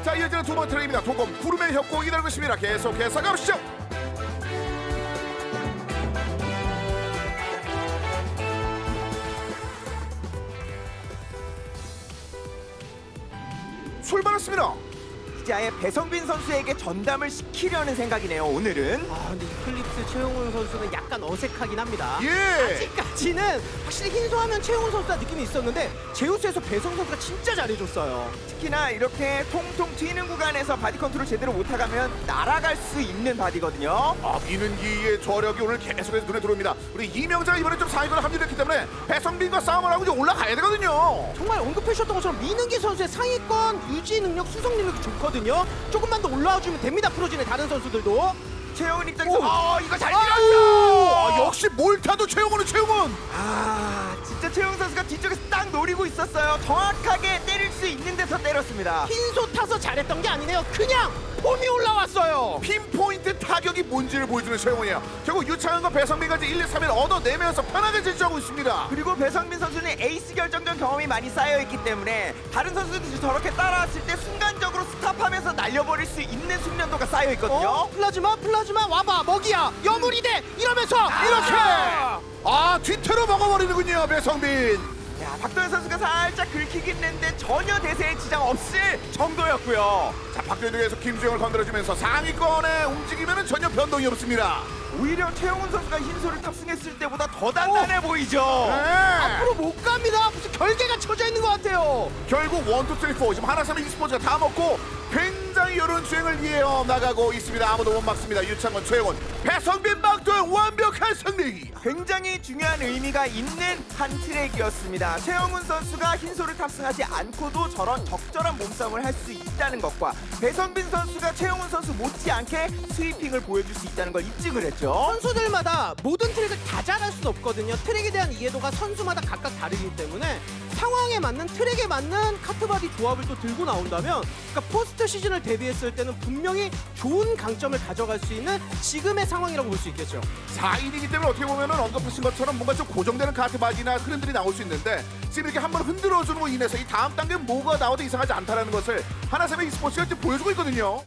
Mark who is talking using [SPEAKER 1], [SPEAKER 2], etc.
[SPEAKER 1] 자, 이어지는 두 번째 트랙입니다. 도검 구름의 협곡 기다리고 있습니다. 계속해서 가보시죠. 출발했습니다.
[SPEAKER 2] 이제 아예 배성빈 선수에게 전담을 시키려는 생각이네요. 오늘은.
[SPEAKER 3] 아 근데 이클립스 최용훈 선수는 약간 어색하긴 합니다.
[SPEAKER 1] 예.
[SPEAKER 3] 아직까지는 확실히 흰소하면 최용훈 선수가 느낌이 있었는데 제우스에서 배성 선수가 진짜 잘해줬어요.
[SPEAKER 2] 특히나 이렇게 통통 튀는 구간에서 바디 컨트롤 제대로 못하가면 날아갈 수 있는 바디거든요.
[SPEAKER 1] 아, 민은기의 저력이 오늘 계속해서 눈에 들어옵니다. 우리 이명자가 이번에 좀 상위권에 합류했기 때문에 배성빈과 싸움을 하고 이제 올라가야 되거든요.
[SPEAKER 3] 정말 언급해주셨던 것처럼 민은기 선수의 상위권 유지 능력, 수성 능력이 좋거든요. 조금만 더 올라와주면 됩니다. 프로진의 다른 선수들도.
[SPEAKER 2] 최영은 입장에서
[SPEAKER 3] 오.
[SPEAKER 2] 이거 잘
[SPEAKER 1] 아,
[SPEAKER 2] 밀었죠.
[SPEAKER 1] 역시 뭘 타도 최용훈은 최용훈.
[SPEAKER 2] 진짜 최영 선수가 뒤쪽에서 딱 노리고 있었어요. 정확하게 때릴 수 있는 데서 때렸습니다.
[SPEAKER 3] 흰소 타서 잘했던 게 아니네요. 그냥 폼이 올라왔어요.
[SPEAKER 1] 핀포인트 타격이 뭔지를 보여주는 최용훈이에요. 결국 유창현과 배성빈까지 1, 2, 3일 얻어내면서 편하게 질주하고 있습니다.
[SPEAKER 2] 그리고 배성민 선수는 에이스 결정전 경험이 많이 쌓여있기 때문에 다른 선수들이 저렇게 따라왔을 때 순간적으로 스탑하면서 날려버릴 수 있는 숙련도가 쌓여있거든요.
[SPEAKER 3] 플라즈마 와봐 먹이야 여물이대 이러면서 이렇게
[SPEAKER 1] 뒤태로 먹어버리는군요, 배성빈.
[SPEAKER 2] 야, 박도현 선수가 살짝 긁히긴 했는데 전혀 대세에 지장 없을 정도였고요.
[SPEAKER 1] 자, 박도현에서 김주영을 건드려주면서 상위권에 움직이면 전혀 변동이 없습니다.
[SPEAKER 2] 오히려 최영훈 선수가 흰소를 탑승했을 때보다 더 단단해 보이죠.
[SPEAKER 3] 앞으로 못 갑니다. 무슨 결계가 쳐져 있는 것 같아요.
[SPEAKER 1] 결국 1, 2, 3, 4 지금 하나삼의 e스포츠가 다 먹고 굉장히 이런 주행을 이어 나가고 있습니다. 아무도 못 막습니다. 유창원, 최영원, 배성빈, 박도현 완벽한 승리.
[SPEAKER 2] 굉장히 중요한 의미가 있는 한 트랙이었습니다. 최영훈 선수가 흰소를 탑승하지 않고도 저런 적절한 몸싸움을 할 수 있다는 것과 배성빈 선수가 최영훈 선수 못지않게 스위핑을 보여줄 수 있다는 걸 입증을 했죠.
[SPEAKER 3] 선수들마다 모든 트랙을 다 잘할 수는 없거든요. 트랙에 대한 이해도가 선수마다 각각 다르기 때문에 상황에 맞는 트랙에 맞는 카트바디 조합을 또 들고 나온다면 그러니까 포스트 시즌을 대비했을 때는 분명히 좋은 강점을 가져갈 수 있는 지금의 상황이라고 볼 수 있겠죠.
[SPEAKER 1] 4인이기 때문에 어떻게 보면은 언급하신 것처럼 뭔가 좀 고정되는 카트바디나 흐름들이 나올 수 있는데 지금 이렇게 한번 흔들어주는 거 인해서 이 다음 단계 뭐가 나와도 이상하지 않다는 것을 하나삼의 e스포츠가 지금 보여주고 있거든요.